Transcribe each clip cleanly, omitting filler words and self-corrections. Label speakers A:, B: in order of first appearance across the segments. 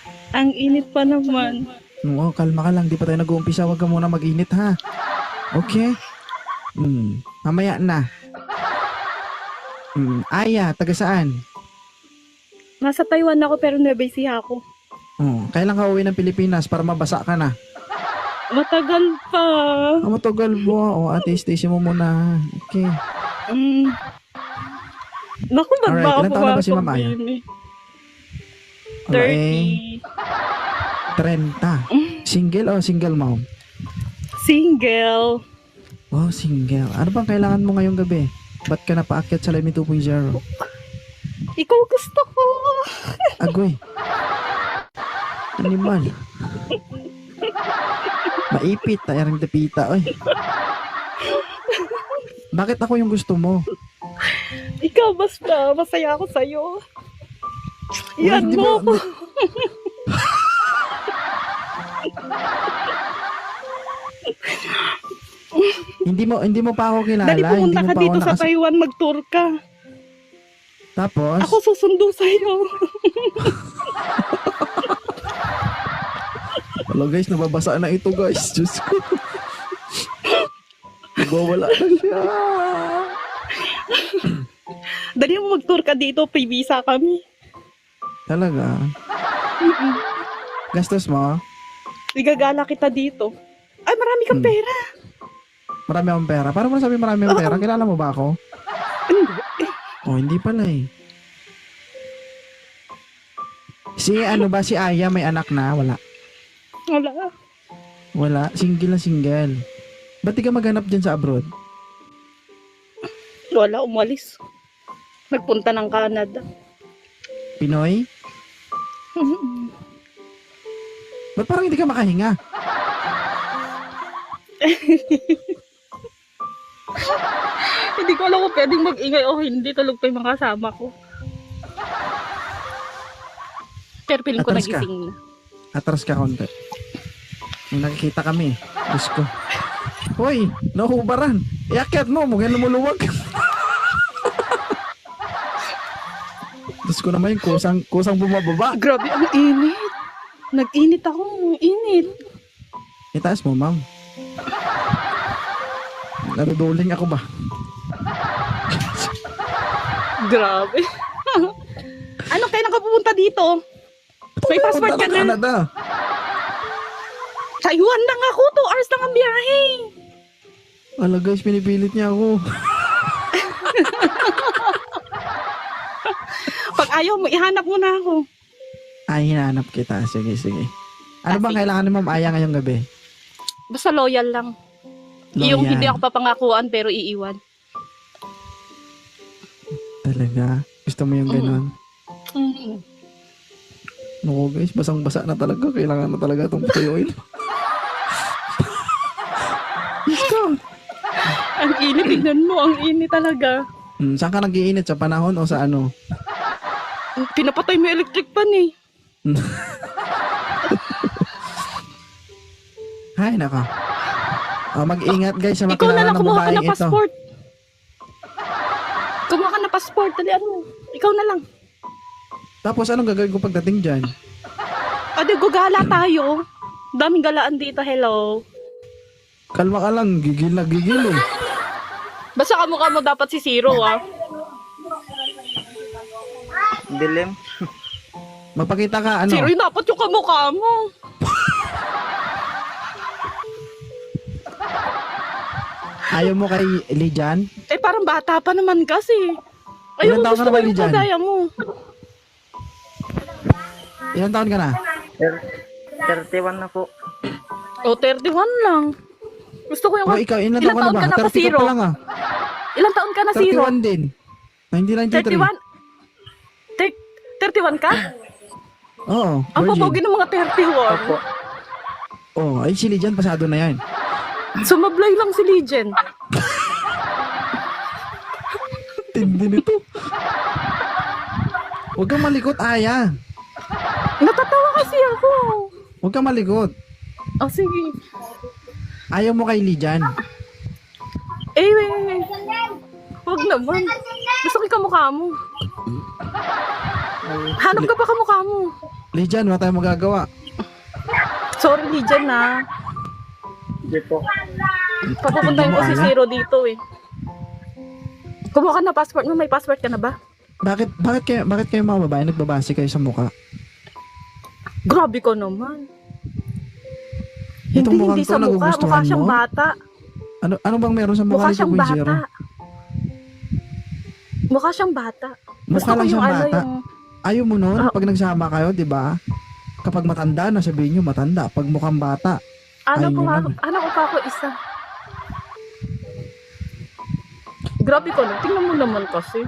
A: Ang init pa naman.
B: Oo, kalma ka lang. Di pa tayo nag-uumpisa. Huwag ka muna mag-init, ha? Okay? Mamaya na. Aya, taga saan?
A: Nasa Taiwan ako pero Nueva Ecija ako.
B: Kailan ka uwi ng Pilipinas para mabasa ka na?
A: Matagal pa.
B: Matagal mo. Ate, stay mo muna. Okay.
A: Naku,
B: Alright, ilan taon na ba si Ma'am Aya?
A: 30.
B: 30. Single o single mom?
A: Single.
B: Wow, single. Ano bang kailangan mo ngayong gabi? Ba't ka napaakyat sa Lemmy 2.0?
A: Ikaw gusto ko.
B: Agoy. Animal. Maipit. Tayarang dapita. Oy. Bakit ako yung gusto mo?
A: Ikaw basta. Masaya ako sa'yo. Yan mo ako.
B: Hindi mo pa ako kilala.
A: Dali pumunta ka dito sa Taiwan, mag-tour ka.
B: Tapos?
A: Ako susundo sa'yo.
B: Wala guys, nababasa na ito guys. Diyos ko. Nagwawala na siya.
A: Dali mo mag-tour ka dito, free visa kami.
B: Talaga? Gastos mo?
A: Igagala kita dito. Ay, marami kang pera.
B: Marami akong pera? Paano mo nasabi marami akong pera? Kilala mo ba ako? Hindi pala eh. Si Aya may anak na? Wala. Wala? Single na single. Ba't di ka maghanap dyan sa abroad?
A: Wala, umalis. Nagpunta ng Canada.
B: Pinoy? Ba't parang hindi ka makahinga?
A: Hindi ko alam kung pwedeng mag-ingay o hindi. Tulog pa yung mga kasama ko. Pero piling ko
B: Atras ka.
A: nagising na.
B: Atras ka konti. May nakikita kami. Diyos ko. Hoy, nahubaran. Iakyat mo, mukha lumuluwag. Diyos ko naman yung kusang bumababa.
A: Grabe, ang init. Nag-init ako. Ang init.
B: Itaas mo, ma'am. Naruduling ako ba?
A: Grabe. Ano, kailan ka pupunta dito? May passport ka na?
B: Canada.
A: Taiwan lang ako. 2 hours lang ang biyahe.
B: Ala guys, pinipilit niya ako.
A: Pag ayaw mo, ihanap mo na ako.
B: Ay, hinahanap kita. Sige. Ano bang kailangan ni Ma'am Aya ngayong gabi?
A: Basta loyal lang. Yung
B: Loyal.
A: hindi ako papangakuan pero iiwan.
B: Talaga? Gusto mo yung ganon? Naku guys, basang-basa na talaga. Kailangan na talaga itong tuyuin. Yes ka.
A: Ang init, tignan mo. Ang init talaga.
B: Saan ka nag-iinit? Sa panahon o sa ano?
A: Pinapatay mo yung electric pan eh.
B: Hay, naka. Mag-ingat guys sa
A: Ikaw na
B: makilala
A: lang
B: ng
A: kumuha ka
B: babaeng
A: ng
B: ito.
A: passport. Kumuha ka ng passport. Dali, ano? Ikaw na lang.
B: Tapos anong gagawin ko pagdating dyan?
A: Ade, gugala tayo. Daming galaan dito. Hello.
B: Kalma ka lang, gigil na gigil eh.
A: Basta kamukha mo dapat si Zero ah.
C: Dilim.
B: Magpakita ka, ano?
A: Zero yung dapat yung kamukha mo.
B: Ayaw mo kay Lijan?
A: Eh parang bata pa naman kasi.
B: Ilan
A: Ayun,
B: taon ka
A: gusto
B: na
A: ko
B: ba,
A: yung
B: Lijan?
A: kagaya mo.
B: Ilang taon ka na?
C: 31 na po.
A: O, 31 lang. Gusto ko yung...
B: Ikaw, ilan
A: Ilang
B: taon ka na ba? 30 ka
A: Zero?
B: pa lang ah.
A: Ilang taon ka na, Zero?
B: 31 din. 1993.
A: 31? 31 ka?
B: Oo,
A: Ang
B: virgin.
A: papogi ng mga 31.
C: Opo.
B: Ay si Lijan, pasado na yan.
A: Sumablay lang si Legend.
B: Tindi nito. Huwag kang malikot, Aya.
A: Natatawa kasi ako.
B: Huwag kang malikot.
A: Oh, sige.
B: Ayaw mo kay Lijan.
A: Eh. Huwag naman. Gusto ko yung kamukha mo. Hanap ka pa kamukha mo.
B: Lijan, wala tayong magagawa.
A: Sorry, Lijan na.
C: Hindi po.
A: Papupuntahin ko si
B: Ano?
A: Zero dito eh. Kumuha ka na passport mo. May passport ka na ba?
B: Bakit kayo mga babae nagbabase kayo sa mukha?
A: Grabe ko naman.
B: Itong
A: Hindi,
B: mukhang
A: hindi
B: to,
A: sa mukha.
B: nagugustuhan
A: Mukha siyang
B: mo?
A: bata.
B: Ano bang meron sa mukha
A: Mukha
B: ni
A: siyang
B: 2.0?
A: bata. Mukha siyang bata.
B: Mukha lang
A: ko
B: siyang
A: ano,
B: bata. Ayaw mo nun,
A: Ah.
B: pag nagsama kayo, di ba? Kapag matanda na, sabihin nyo matanda. Pag mukhang bata,
A: Ano ko
B: Ayun
A: ano ko pa ako isa. Grabe ko lang. Tingnan mo naman kasi.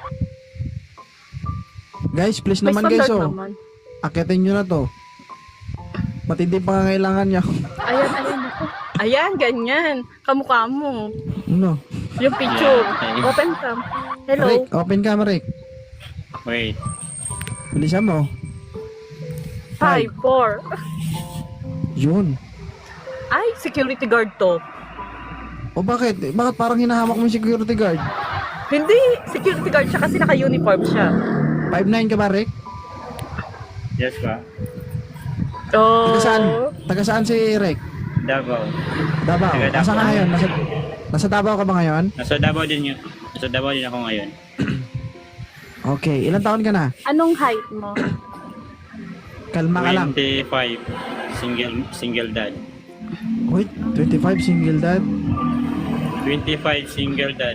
B: guys, please
A: May
B: naman guys,
A: standard
B: oh.
A: naman.
B: Akitin nyo na to. Matindi pangangailangan niya.
A: Ayan ako. Ayan, ganyan. Kamukha mo.
B: Ano?
A: Yung picture.
D: Yeah, okay.
A: Open cam. Hello.
B: Rick, open camera, Rick.
D: Wait.
B: Bilisan mo.
A: 5, 4.
B: Yun.
A: Ay, security guard to.
B: O bakit? Bakit parang hinahamak mo yung security guard?
A: Hindi, security guard siya kasi naka-uniform siya.
B: 5'9" ka ba, Rick?
D: Yes ba?
A: Oh.
B: Taga saan si Rick?
D: Davao.
B: Davao.
D: Taga Davao.
B: Asa ka ngayon? Nasa Davao ka ba ngayon?
D: Nasa Davao din yun. Nasa Davao din ako ngayon.
B: Okay. Ilang taon ka na?
A: Anong height mo?
B: Kalma ka lang.
D: 25. Single dad.
B: Wait, 25 single dad?
D: 25 single dad.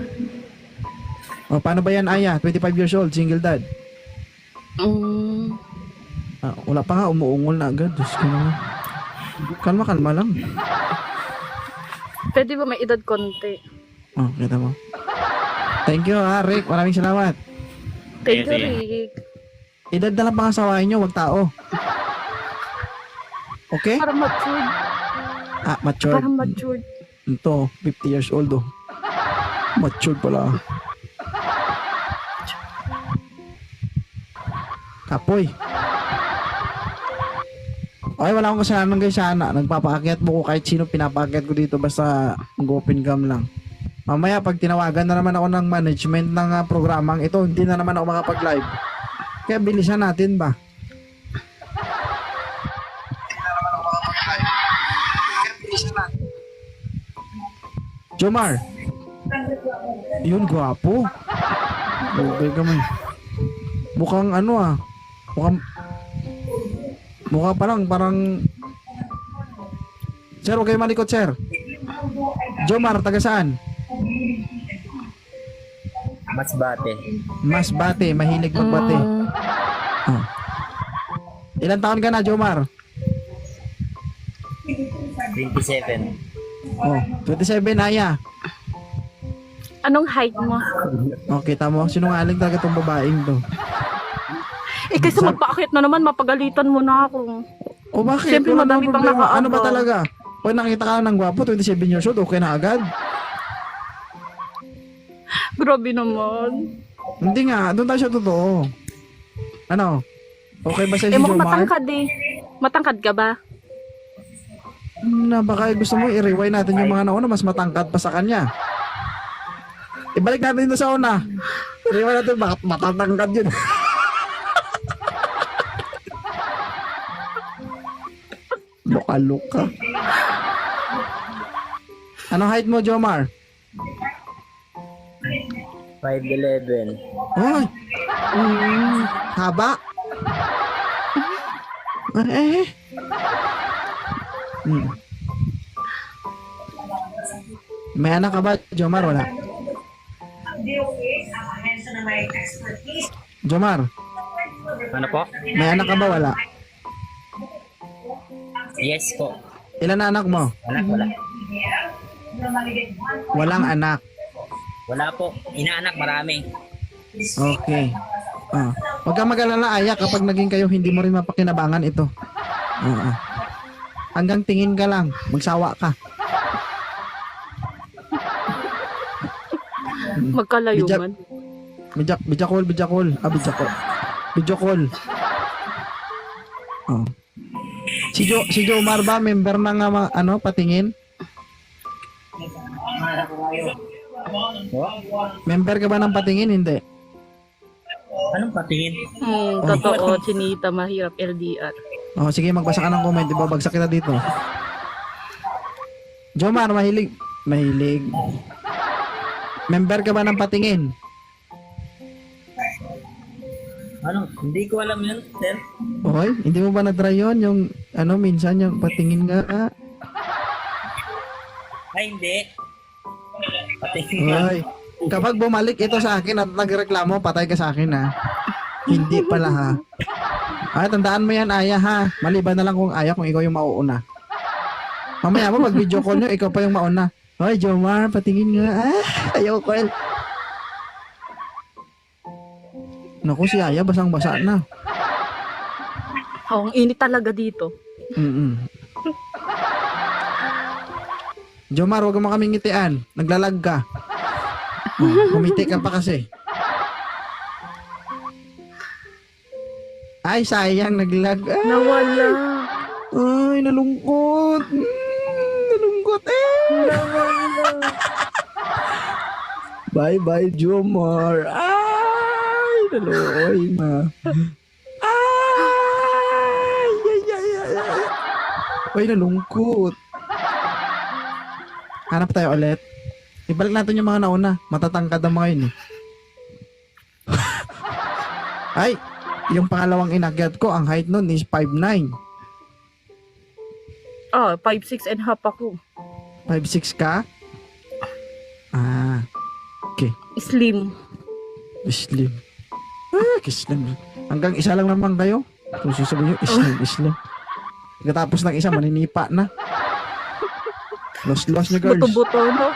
B: O, paano ba yan, Aya? 25 years old, single dad.
A: Mm,
B: Wala pa nga, umuungol na agad. Diyos ko naman. Kalma lang.
A: pwede ba may edad konti?
B: Oh, kita mo. Thank you, Rick. Maraming salamat.
A: Thank you,
D: Sige.
A: Rick.
B: Edad na lang pangasawain nyo, wag tao. Okay?
A: Parang matured.
B: Matured.
A: Parang matured.
B: Ito, 50 years old, oh. Matured pala. Kapoy. Okay, wala akong kasalanan guys sana. Nagpapaakyat mo ko kahit sino pinapaakyat ko dito basta mag-open cam lang. Mamaya pag tinawagan na naman ako ng management ng programang ito, hindi na naman ako makapag-live. Kaya bilisan natin ba? Jomar. Yun, gwapo. Okay ka man. Mukhang ano mukha pa lang, parang... Sir, huwag kayo malikot, sir. Jomar, taga saan?
C: Masbate.
B: Masbate, mahilig magbate. Oh. Ilan taon ka na, Jomar?
C: 27.
B: Oh, 27, Aya.
A: Anong height mo?
B: Oh, kita mo, sinungaling talaga tong babaeng to.
A: Eh kasi magpaakit na naman, mapagalitan mo na ako.
B: O bakit?
A: Siyempre,
B: Wala
A: madami
B: namang
A: pang
B: problema. Ano ba
A: nakaagaw.
B: talaga? Pag nakita ka ng gwapo, 27 years old, okay na agad?
A: Grabe naman.
B: Hindi nga, doon tayo sa totoo. Ano? Okay ba sa'yo si
A: Mukhang
B: Jomar?
A: matangkad eh. Matangkad ka ba?
B: Na baka gusto mo i-rewind natin yung mga nauna, mas matangkad pa sa kanya. Ibalik natin dito sa una. I-rewind natin, bakit matatangkad yun? Luka-luka. Anong height mo, Jomar?
C: 5'11".
B: Ay! Haba? Hmm. May anak ka ba, Jomar? Wala. Jomar,
C: Ano po?
B: may anak ka ba? Wala.
C: Yes po.
B: Ilan na anak mo?
C: Wala.
B: Walang anak.
C: Wala po. Inaanak marami.
B: Okay. Huwag kang mag-alala, Aya, kapag naging kayo, hindi mo rin mapakinabangan ito. Hanggang tingin ka lang, magsawa ka.
A: Magkalayo
B: Bijak-
A: man.
B: Video call. Video call. Oh. Si Jomar ba, member ng patingin? Member ka ba ng patingin? Hindi.
C: Anong patingin?
A: Totoo, chinita, mahirap LDR.
B: Oh, sige, magbasa ka ng comment. Ibabagsak kita dito. Jomar, mahilig. Member ka ba ng patingin?
C: Hindi ko alam yun, sir.
B: Okay, hindi mo ba na-try yun? Yung, minsan yung patingin nga.
C: Ay, hindi. Patingin nga.
B: Okay. Kapag bumalik ito sa akin at nagreklamo, patay ka sa akin, ha? Hindi pala, ha? Ay, tandaan mo yan, Aya, ha? Maliban na lang kung Aya, kung ikaw yung mauuna. Mamaya mo, pag video call nyo, ikaw pa yung mauna. Hoy, Jomar, patingin nga. Ayaw ko, Naku, si Aya, basang-basa na.
A: Oh, ang init talaga dito.
B: Jomar, huwag mo kaming ngitian. Naglalag ka. Kumiti ka pa kasi. Ay, sayang, naglag.
A: Nawala.
B: Ay, nalungkot. Nalungkot, Bye-bye, Jomar. Ay, naloy, ma. Ay, nalungkot. Hanap tayo ulit. Ibalik natin yung mga nauna. Matatangkad ang mga yun, Ay, yung pangalawang inakyat ko, ang height nun is 5'9".
A: 5'6 and half ako.
B: 5'6 ka? Okay.
A: Slim.
B: Slim. Slim. Hanggang isa lang naman kayo. Kung sasabihin nyo, Slim. Pagkatapos ng isa, maninipa na. Lost nyo, girls.
A: Buto-buto, no?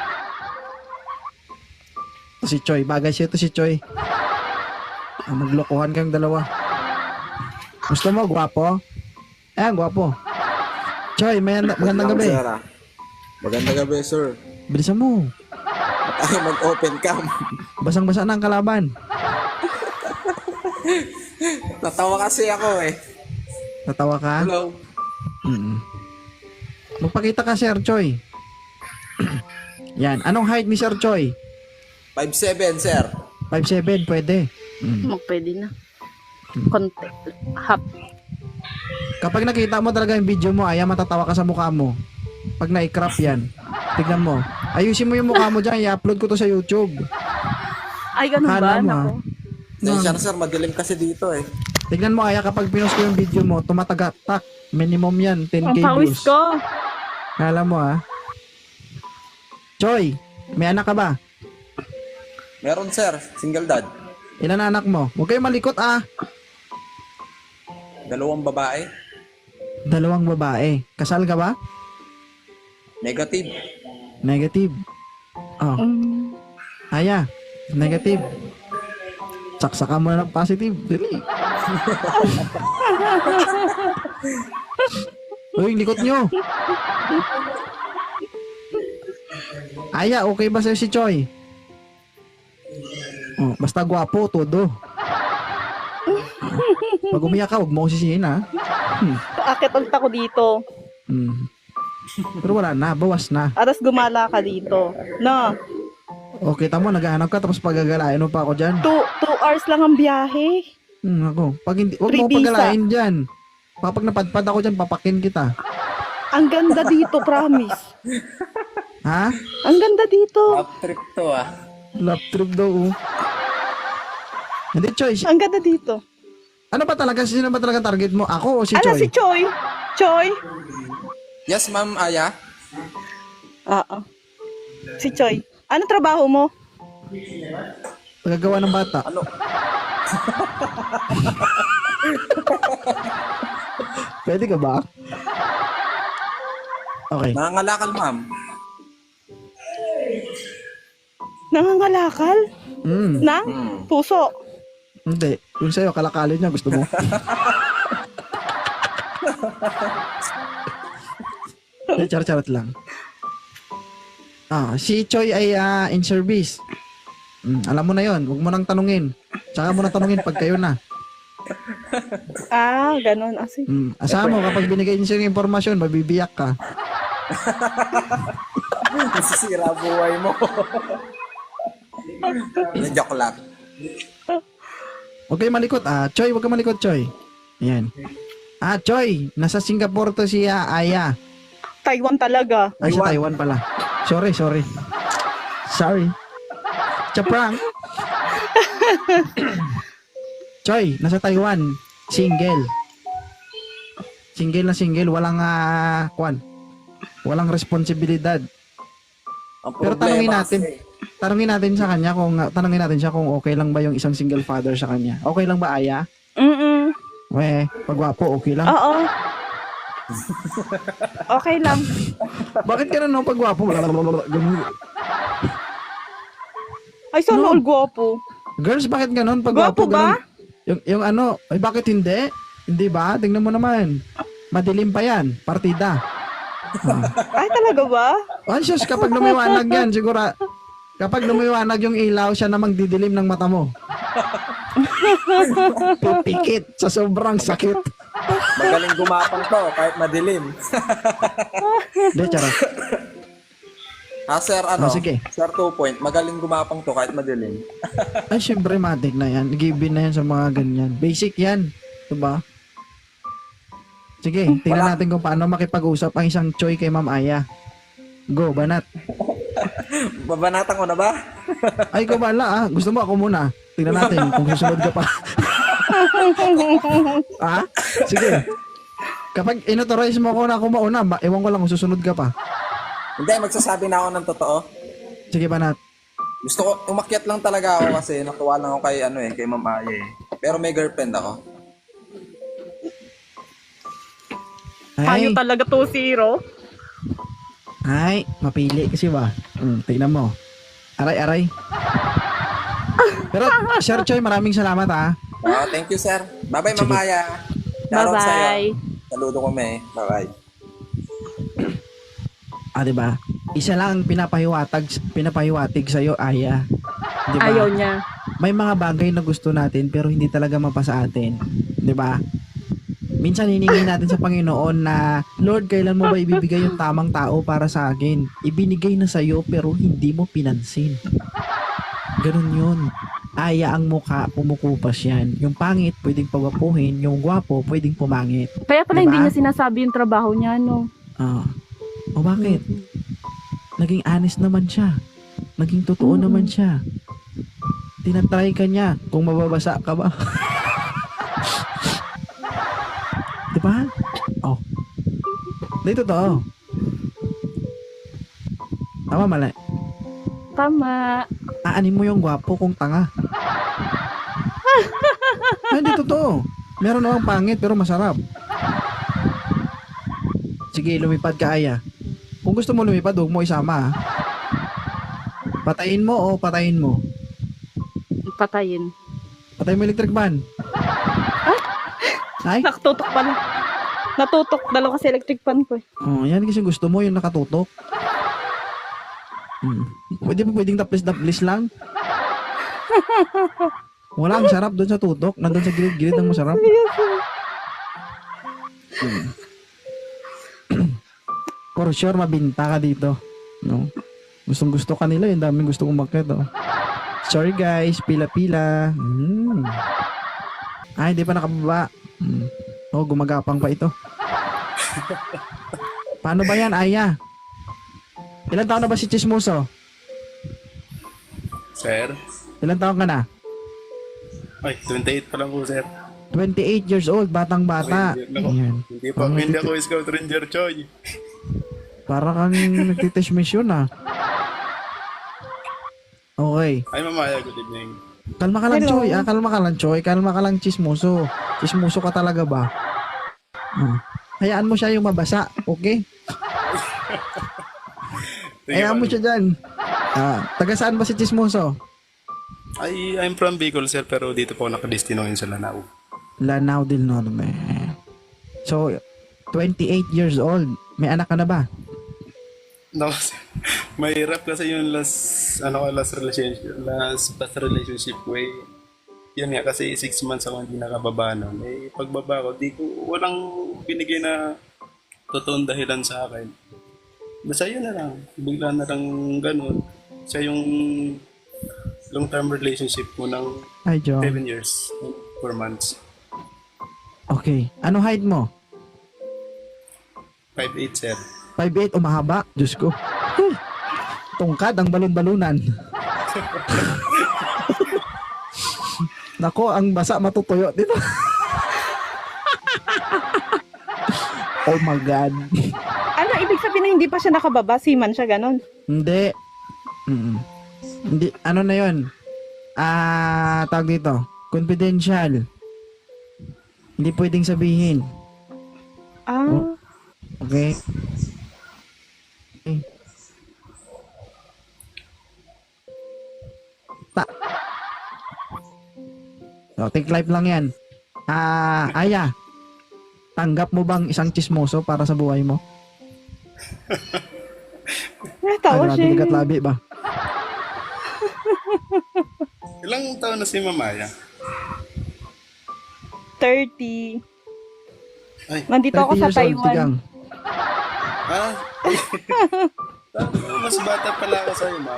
B: Ito si Choi. Bagay siya ito si Choi. Maglokohan kayong dalawa. Gusto mo, gwapo? Gwapo. Choi, magandang gabi.
E: Magandang gabi, sir.
B: Bilisan mo.
E: Tayo mag-open cam.
B: Basang-basa na ang kalaban.
E: Natawa kasi ako
B: Natawa ka?
E: Hello.
B: Magpakita ka, Sir Choi. Yan. Anong height ni Sir Choi?
E: 5'7", sir.
B: 5'7", pwede.
A: Pwede na. Konti. Half.
B: Kapag nakita mo talaga yung video mo, matatawa ka sa mukha mo. Pag na-crop yan, tignan mo. Ayusin mo yung mukha mo dyan, i-upload ko to sa YouTube.
A: Ay, ganun ba?
B: Hala mo,
A: Nako.
E: Tensya na, sir. Madilim kasi dito
B: Tignan mo, kapag pinost ko yung video mo, tumatagak-tak. Minimum yan, 10k
A: Ang pawis
B: views.
A: ko.
B: Hala mo, Choi, may anak ka ba?
E: Meron, sir. Single dad.
B: Ilan na anak mo? Huwag kayong malikot,
E: 2 babae.
B: 2 babae. Kasal ka ba?
E: Negative.
B: Negative. Oh. Aya, negative. Saksakan mo na ng positive. Dali. Uy, likot nyo. Aya, okay ba sa'yo si Choi? Oh, basta gwapo, todo. Pag umiyak ka, huwag mo ko sisihin,
A: Paakit ulit ako dito.
B: Pero wala na, bawas na.
A: Aras gumala ka dito. No.
B: Okay, tamo, naghahanap ka, tapos pagagalain mo pa ako dyan.
A: 2 hours lang ang biyahe.
B: Ako, pag hindi, huwag
A: Free
B: mo
A: visa.
B: pagalain dyan. Kapag napadpad ako dyan, papakin kita.
A: Ang ganda dito, promise.
B: Ha?
A: Ang ganda dito.
E: Top trip to,
B: Lap trip daw, Hindi, Choi.
A: Ang ganda dito.
B: Ano ba talaga? Sino ba talaga target mo? Ako o si
A: Ano
B: Choi?
A: si Choi? Choi?
E: Yes, ma'am, Aya.
A: Oo. Si Choi. Ano trabaho mo?
B: Pagagawa ng bata.
E: Ano?
B: Pwede ka ba? Okay.
E: Nangangalakal, ma'am.
A: Nangangalakal? Nang? Puso?
B: Hindi. Yung sa'yo, kalakalin niya. Gusto mo? Charot lang. Si Choi ay in service. Alam mo na yon. Huwag mo nang tanungin. Tsaka mo na tanungin pag kayo na.
A: Ganun.
B: Asahan mo, kapag binigay niyo yung impormasyon, mabibiyak ka.
E: Nasisira buhay mo. Joke lang.
B: Huwag kayo malikot, Choy, huwag ka malikot, Choy. Ayan. Choy, nasa Singapore to si Aya.
A: Taiwan talaga.
B: Ay, sa Taiwan pala. Sorry. Chaprang. Choy, nasa Taiwan. Single. Single na single. Walang, walang responsibilidad.
E: Ang
B: Pero
E: problema
B: tanungin natin sa kanya tanungin natin siya kung okay lang ba yung isang single father sa kanya. Okay lang ba, Aya? Pagwapo, okay lang?
A: Oo. Okay lang.
B: Bakit ka no pagwapo? Ganun.
A: Ay, sana all gwapo.
B: Girls, bakit ganon? Pagwapo,
A: Gwapo ba?
B: ganun. Yung ay bakit hindi? Hindi ba? Tingnan mo naman. Madilim pa yan. Partida.
A: Ay, talaga ba?
B: Anxious, kapag lumiwanag yan, siguro, kapag lumiwanag yung ilaw, siya namang didilim ng mata mo. Pipikit sa sobrang sakit.
E: Magaling gumapang to kahit madilim.
B: Hindi, charot.
E: Sir,
B: sige.
E: Sir 2 point, magaling gumapang to kahit madilim.
B: Ay, syempre, matik na yan. Given na yan sa mga ganyan. Basic yan. Diba? Sige, tingnan natin kung paano makipag-usap ang isang Choy kay Ma'am Aya. Go, banat.
E: Babanatan ko na ba?
B: Ay, ikaw bala Gusto mo ako muna? Tingnan natin kung susunod ka pa. Sige. Kapag inauthorize mo ako na ako mauna, ewan ko lang kung susunod ka pa.
E: Hindi, magsasabi na ako ng totoo.
B: Sige, banat.
E: Gusto ko, umakyat lang talaga ako kasi natuwa lang ako kay Ma'am Aya eh. Pero may girlfriend ako.
A: Payo
B: Ay,
A: talaga 2-0.
B: ay, mapili kasi ba? Tingnan mo. Aray. Pero, Sir Choy, maraming salamat
E: Thank you, sir. Bye-bye,
B: Sige.
E: Ma'am Aya. Shoutout sa'yo.
A: Bye-bye.
E: Saludo kami. Bye-bye.
B: Diba? Isa lang ang pinapahiwatig sa'yo, Aya. Diba?
A: Ayaw niya.
B: May mga bagay na gusto natin pero hindi talaga mapa sa atin. 'Di ba? Minsan hiningi natin sa Panginoon na, Lord, kailan mo ba ibibigay yung tamang tao para sa akin? Ibinigay na sa'yo pero hindi mo pinansin. Ganun yun. Aya ang mukha, pumukupas yan. Yung pangit, pwedeng pagwapuhin. Yung gwapo, pwedeng pumangit.
A: Kaya pala
B: Diba?
A: hindi niya sinasabi yung trabaho niya, no?
B: O bakit? Naging honest naman siya. Naging totoo naman siya. Tinatry ka niya kung mababasa ka ba. Diba? Oh. Hindi totoo. Tama, mali.
A: Tama.
B: Aanin mo yung gwapo kung tanga. Hindi totoo. Meron namang pangit pero masarap. Sige, lumipad ka, Aya. Kung gusto mo lumipad, huwag mo isama. Patayin mo o patayin mo?
A: Patayin.
B: Patayin mo electric fan. Ay?
A: Nakatutok pala. Natutok. Dalawa kasi electric fan ko.
B: Yan kasi gusto mo, yung nakatutok. Pwedeng taplis lang. Wala, ang sarap doon sa tutok. Nandun sa gilid-gilid ang masarap. For sure, mabinta ka dito. No? Gustong gusto ka nila, yung daming gusto umakyat. Sorry guys, pila-pila. Ay, hindi pa nakababa. Gumagapang pa ito. Paano ba yan, Aya? Ilan taon na ba si Chismoso?
F: Sir?
B: Ilan taon ka na?
F: Ay, 28 pa lang po, sir.
B: 28 years old, batang-bata. Ayan.
F: Hindi pa, hindi ako Scout Ranger, Choy.
B: Para kang nagtitest mission Okay.
F: Ay, mamaya, good evening.
B: Kalma ka lang, Choy. Kalma ka lang, Choy. Kalma ka lang, Chismoso. Chismoso ka talaga ba? Hayaan mo siya yung mabasa, okay? Hayaan mo siya dyan. Taga saan ba si Chismoso?
F: Ay, I'm from Bicol, sir, pero dito po nakadestino ngayon sa Lanao.
B: Lanao del Norte. So, 28 years old. May anak ka na ba?
F: No, sir. Mahirap kasi yung last relationship ko eh. Yun nga, kasi 6 months ako hindi nakababa nun. Eh, pagbaba ko, walang binigay na totoong dahilan sa akin. Basta yun na lang. Bigla na lang ganun. Siya yung long-term relationship ko ng
B: Hi, Jong.
F: 7 years, 4 months.
B: Okay. Ano height mo?
F: 5'8", sir.
B: 5'8", umahaba. Diyos ko. Tungkad ang balon-balunan. Nako, ang basa matutuyo dito. Oh my God.
A: Ano, ibig sabihin na hindi pa siya nakababa? Seaman siya, ganun?
B: Hindi. Hindi. Ano na yun? Tawag dito. Confidential. Hindi pwedeng sabihin.
A: Ah,
B: Okay? Okay. So, take life lang yan. Aya, tanggap mo bang isang chismoso para sa buhay mo?
A: tawa
B: Grabe,
A: siya.
B: ligat labi ba?
F: Ilang taon na si Mamaya?
A: 30.
F: Ay,
A: Nandito ako
B: 30
A: sa
B: years old,
A: Taiwan.
B: tigang.
F: ah. Mas bata pala ako sa'yo, ma'am.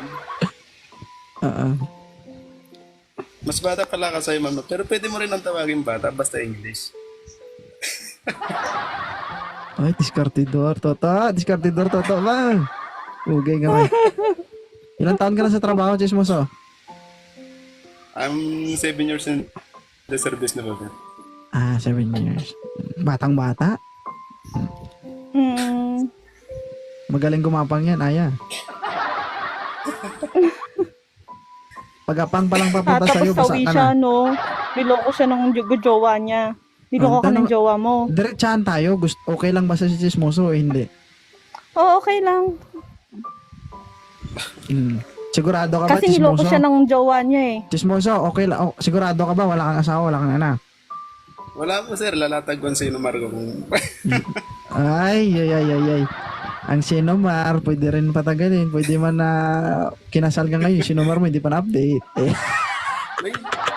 F: Mas bata pala ako sa'yo, ma'am. Pero pwede mo rin ang tawagin bata, basta English.
B: Ay, diskartidor, Toto. Diskartidor, Toto ba? Ugay nga kayo. Ilang taon ka na sa trabaho, chismoso?
F: I'm 7 years in the service na po, sir.
B: 7 years. Batang-bata? Magaling gumapang yan, Aya. Pagapang palang papunta
A: Tapos
B: sa'yo, basa
A: sawi
B: ka
A: siya,
B: na.
A: no? Niloko siya ng jowa niya. Niloko ka ng jowa mo.
B: Diretsahan tayo. Okay lang ba sa si chismoso o hindi?
A: Oo, okay lang.
B: Sigurado ka ba,
A: Kasi niloko
B: chismoso?
A: siya ng jowa niya eh.
B: Chismoso, okay lang. Sigurado ka ba? Wala kang asawa, wala kang anak?
F: Wala po, sir. Lalatag ko ang sino Marco kung...
B: Ay. Ang Sinomar, pwede rin patagalin. Pwede man na kinasal ka ngayon. Sinomar mo, hindi pa na-update.
F: May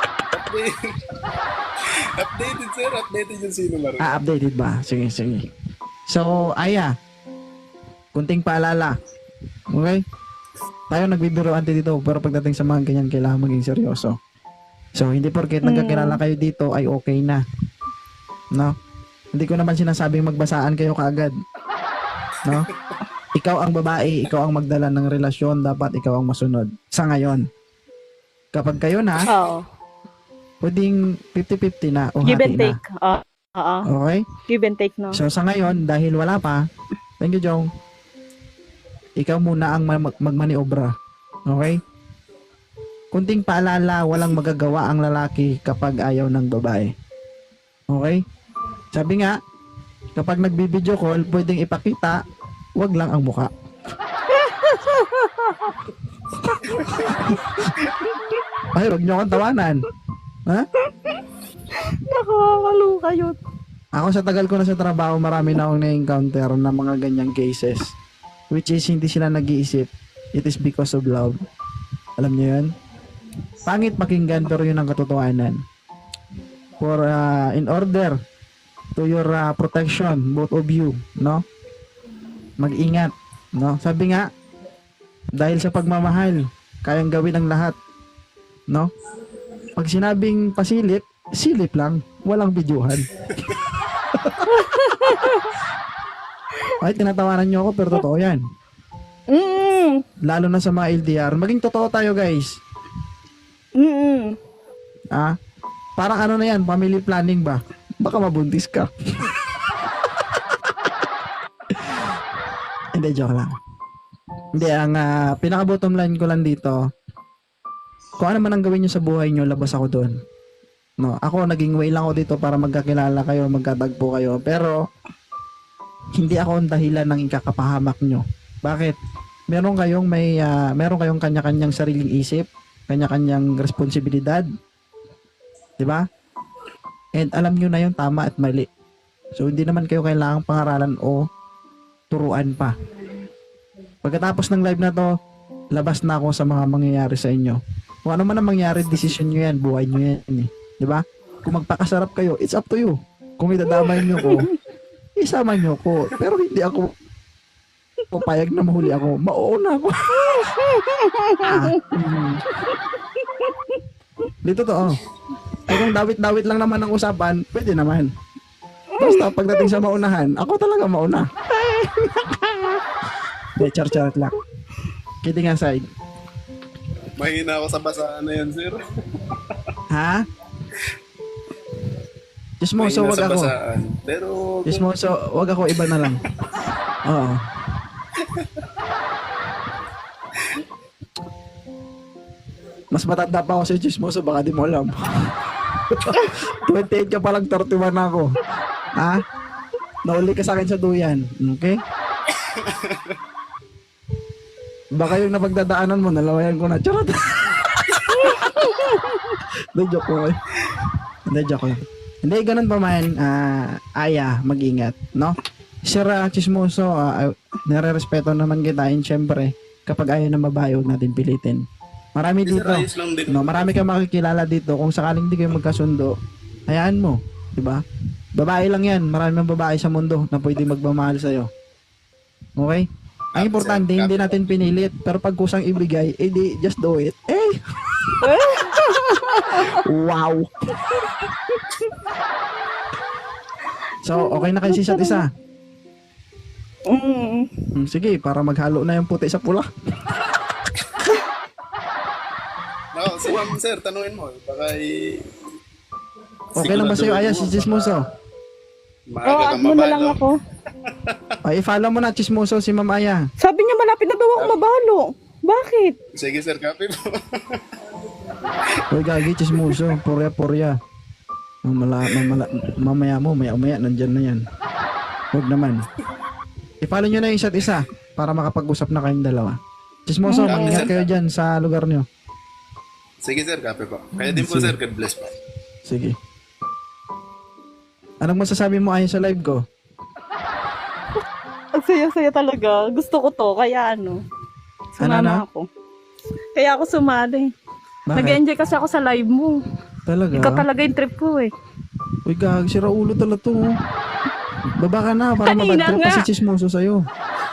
F: updated, sir. Updated yung sino Marco.
B: Updated ba? Sige. So, Aya, kunting paalala. Okay? Tayo nagbibiroan dito, pero pagdating sa mga ganyan, kailangan maging seryoso. So, hindi porket nagkakilala kayo dito ay okay na. No? Hindi ko naman sinasabing magbasaan kayo kaagad. No? Ikaw ang babae, ikaw ang magdala ng relasyon, dapat ikaw ang masunod. Sa ngayon. Kapag kayo na,
A: Oo.
B: pwedeng 50-50 na o
A: Give
B: hati
A: and
B: na.
A: take. Oo.
B: Okay?
A: Give and take, no?
B: So sa ngayon, dahil wala pa, thank you, Jong. Ikaw muna ang magmaniobra. Okay? Kunting paalala, walang magagawa ang lalaki kapag ayaw ng babae. Okay? Sabi nga, kapag nagbibideo call, pwedeng ipakita, wag lang ang muka. Ay, wag niyo akong tawanan. Ha?
A: Nakakaloka yun.
B: Ako sa tagal ko na sa trabaho, marami na akong na-encounter na mga ganyang cases. Which is, hindi sila nag-iisip. It is because of love. Alam niyo yun? Pangit pakinggan, pero yun ang katotohanan. For, in order to your protection, both of you, no? Mag-ingat, no? Sabi nga, dahil sa pagmamahal, kayang gawin ang lahat, no? Pag sinabing pasilip, silip lang, walang videohan. Ay, tinatawanan nyo ako, pero totoo yan. Lalo na sa mga LDR. Maging totoo tayo, guys. Parang ano na yan, family planning ba? Baka mabuntis ka. Hindi, joke lang. Hindi, ang pinaka-bottom line ko lang dito, kung ano man ang gawin nyo sa buhay nyo, labas ako doon. No, ako, naging way lang ako dito para magkakilala kayo, magkatagpo kayo. Pero, hindi ako ang dahilan ng ikakapahamak nyo. Bakit? Meron kayong kanya-kanyang sariling isip, kanya-kanyang responsibilidad. 'Di ba? And alam nyo na yung tama at mali. So, hindi naman kayo kailangang pangaralan o turuan pa. Pagkatapos ng live na to, labas na ako sa mga mangyayari sa inyo. Kung ano man ang mangyari, decision nyo yan, buhay nyo yan. 'Di ba? Kung magpakasarap kayo, it's up to you. Kung idadamay nyo ko, isama nyo ko. Pero hindi ako papayag na mahuli ako. Mauuna ako. Di totoo. Eh kung dawit-dawit lang naman ang usapan, pwede naman. Basta pagdating sa maunahan, ako talaga mauna. Hindi, char-char lang. Kidding aside.
F: Mahina ako sa basaan na yan, sir.
B: Ha? Chismoso,
F: Mahina
B: wag
F: sa
B: ako.
F: basaan. Pero,
B: Chismoso, wag ako, iba na lang. Oo. Mas matanda pa ako sa chismoso, baka di mo alam. 28 ka pa lang, 31 na ako. Ha? Nauli ka sa akin sa duyan. Okay? Baka yung napagdadaanan mo, nalawayan ko na. Charot! Hindi, joke ko. Hindi, joke lang. Hindi, ganun pa man, Aya, mag-ingat, no? Sir Chismoso, nare-respeto naman kita, and syempre, kapag ayaw na babae, huwag natin pilitin. Marami
F: sir,
B: dito,
F: ayos lang din.
B: no? Marami kang makikilala dito. Kung sakaling di kayo magkasundo, hayaan mo, di ba? Babae lang yan. Marami ng babae sa mundo na pwede magmamahal sa'yo. Okay? Ang importante, hindi natin pinilit. Pero pag kusang ibigay, di, just do it. Eh! Wow! So, okay na kayo sa isa't isa? Sige, para maghalo na yung puti sa pula.
F: No, si ma'am, sir, tanungin mo. Baka
B: Okay lang ba sa'yo, Aya, si Chismoso?
F: maaga kang
A: Add mo na lang
F: mabalo.
A: ako.
B: Ay, i-follow mo na, Chismoso, si Ma'am Aya.
A: Sabi niya malapit na daw ako mabalo. Bakit?
F: Sige, sir, copy po.
B: Uy, gagi, Chismoso. Porya. Mamaya mo, maya, nandyan na yan. Huwag naman. I-follow nyo na yung isa't isa para makapag-usap na kayong dalawa. Chismoso, mag-ingat kayo dyan sa lugar nyo.
F: Sige, sir, copy po. Kaya din po,
B: Sige.
F: sir, God bless po.
B: Sige. Anong masasabi mo ayon sa live ko?
A: Ang saya-saya talaga. Gusto ko to. Kaya sumama ako. Kaya ako sumali.
B: Bakit?
A: Nag-enjoy kasi ako sa live mo.
B: Talaga?
A: Ikaw talaga yung trip ko eh.
B: Uy, gagi, sira ulo talaga to. Oh. Baba ka na para
A: Kanina
B: mabad trip pa
A: nga.
B: si Chismoso sa'yo.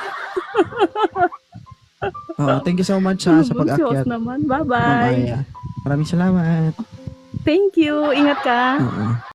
B: Thank you so much sa
A: Diyos
B: pag-akyat.
A: naman.
B: Ma'am
A: Bye-bye.
B: Aya. Maraming salamat.
A: Thank you. Ingat ka.
B: Oo.